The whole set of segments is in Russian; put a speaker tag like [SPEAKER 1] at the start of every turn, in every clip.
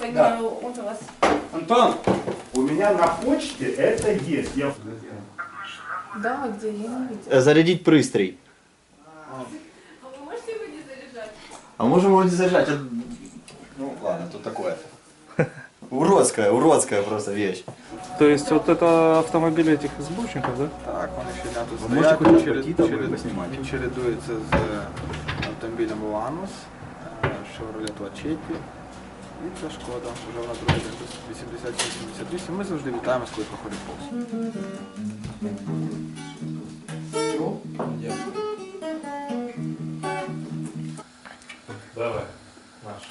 [SPEAKER 1] понимаю, он у вас.
[SPEAKER 2] Антон, у меня на почте это есть. Я...
[SPEAKER 1] Да, где? Я не видела.
[SPEAKER 3] Зарядить пристрій.
[SPEAKER 1] А вы можете его не заряжать?
[SPEAKER 3] А можем его не заряжать? Ну ладно, тут такое. Уродская просто вещь.
[SPEAKER 4] То есть вот это автомобили этих СБУшников, да?
[SPEAKER 5] Так, вони щодня тут
[SPEAKER 3] Ви можете
[SPEAKER 5] стоять,
[SPEAKER 3] хоч пройти там і поснімати?
[SPEAKER 5] він чередується з автомобілем Ланус, Chevrolet Lachetti і це Шкода. Вже вона другий день 87-88. Ми завжди вітаємось, коли проходить повз.
[SPEAKER 4] Давай, наш.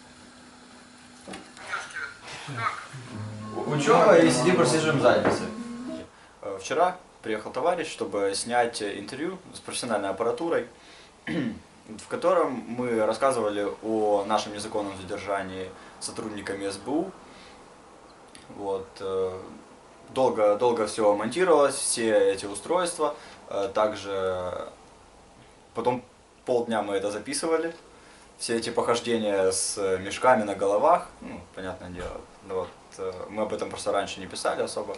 [SPEAKER 3] Учеба и сидим, просиживаем задницы. Вчера приехал товарищ, чтобы снять интервью с профессиональной аппаратурой, в котором мы рассказывали о нашем незаконном задержании сотрудниками СБУ. Вот. Долго все монтировалось, все эти устройства. Также потом полдня мы это записывали. Все эти похождения с мешками на головах, ну, понятное дело, вот, мы об этом просто раньше не писали особо.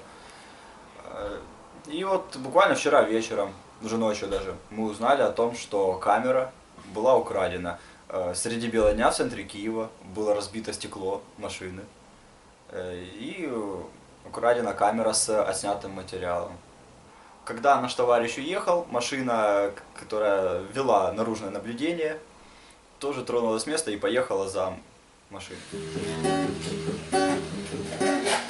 [SPEAKER 3] И вот буквально вчера вечером, уже ночью даже, мы узнали о том, что камера была украдена. Среди бела дня в центре Киева было разбито стекло машины. И украдена камера с отснятым материалом. Когда наш товарищ уехал, машина, которая вела наружное наблюдение, тоже тронулась с места и поехала за машиной.